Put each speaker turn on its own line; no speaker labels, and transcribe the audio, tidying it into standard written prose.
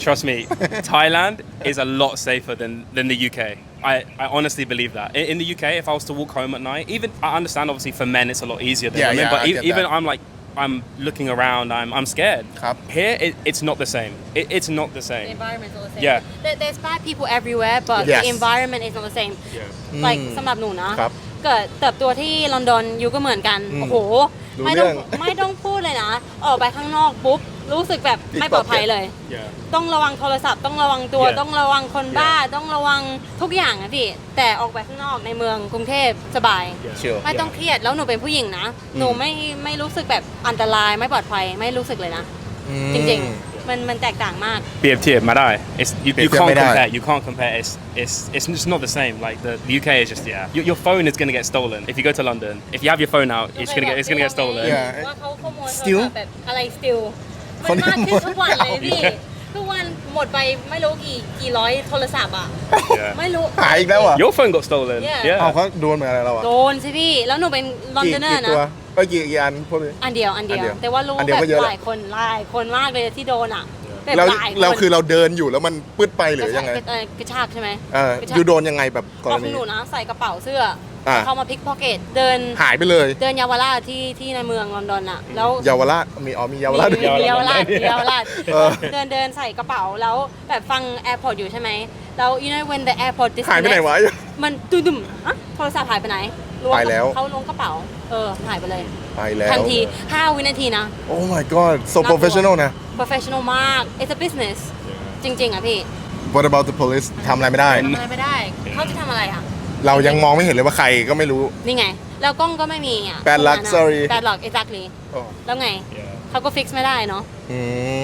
Trust me, Thailand is a lot safer than the UK. I honestly believe that. In the UK, if I was to walk home at night, even I understand obviously for men it's a lot easier than women, but
I get
even
that.
I'm looking around, I'm scared.
ครับ
Here, it's not the same. It's not the
The
same.
environment is not the same.
Yeah.
There's bad people everywhere, but
Yes.
the environment is not the same.
Yeah.
like สำหรับหนูนะ
ครับ
เกิดเติบโตที่ลอนดอนอยู่ก็เหมือนกัน โอ้โห
รู้
ไม่ต้อง
เรื่อง
ไม่ต้องพูดเลยนะ ออกไปข้างนอกปุ๊บ รู้สึกแบบไม่ปลอดภัยเลย
Yeah.
ต้องระวังโทรศัพท์ ต้องระวังตัว
Yeah.
ต้องระวังคนบ้า ต้องระวังทุกอย่างนะพี่ แต่ออกไปข้างนอกในเมืองกรุงเทพสบาย
เชียว
ไม่ต้องเครียด แล้วหนูเป็นผู้หญิงนะ หนูไม่รู้สึกแบบอันตรายไม่ปลอดภัยไม่รู้สึกเลยนะ จริงๆ มันแตกต่างมาก
BFT ไม่ได้ you
BFT
can't
ไม่ได้
compare. You can't compare. It's just not the same. Like the UK is just your phone is gonna get stolen if you go to London. If you have your phone out, it's gonna get stolen.
Yeah.
ว่าเขาขโมยโทร
Still?
ศัพท์แบบอะไร still
ค
มัน น
ข
มาก
โมย
ขึ้นทุกวันเลยพี่ ทุกวันหมดไปไม่รู้กี่ร้อยโทรศัพท์อ่ะ
Yeah.
ไม่รู้
หายอีกแล้วอ่ะ
Your phone got stolen.
Yeah.
เอา
Yeah.
เขาโดนเหมือนอะไรเราอ่ะ
โดนสิพี่ แล้วหนูเป็นลอนดอนเนอร์
ตัว
นะ
กี่อันพวกนี้
อันเดียว
อันเดียว
แต่ว่ารู้
อันเดียว
แบ
ก็
บ
เยอะ
หลายคนมากเลยที่โดนอ่ะแบบ
เรา
หลายคน
เราคือเราเดินอยู่แล้วมันปืดไปหรือยังไง
กระชากใช่ไหม
อก
ระชาก
ยูโดนยังไงแบบกร
เอาข
ณี
องหนูนะใส่กระเป๋าเสื้ออา เข้ามาพิกพ็อกเก็ตเดิน
หายไปเลย
เดินเยาวราชที่ในเมืองลอนดอนอ่ะแล้ว
เยาวราชมีเยาวราช
มีเยาวราช
เยาวราช
เออ
เดินใส่กระเป๋าแล้วแบบฟัง AirPod อยู่ใช่ไหมแล้ว you know when the AirPod
หายไปไหน
disconnect
วะ
มันดุมๆอะโทรศัพท์หายไปไหน
ไปแล้ว
เขาล้วงกระเป๋าหายไปเลย
ไปแล้ว
ทันที5 วินาทีนะ
Oh my god so
น่ากลัว
professional นะ
professional มาก it's a business จริงๆอ่ะพี่
What about the police ทำอะไรไม่ได้
ทำอะไรไม่ได้ เขาจะทำอะไรอ่ะ
เรายังมองไม่เห็นเลยว่าใครก็ไม่รู้
นี่ไง แล้วกล้องก็ไม่มีอ่ะ
Bad luck
ตรงนั้นอะ
sorry
bad luck exactly แล้วไง
Yeah.
เขาก็ fix ไม่ได้เนาะ
อืม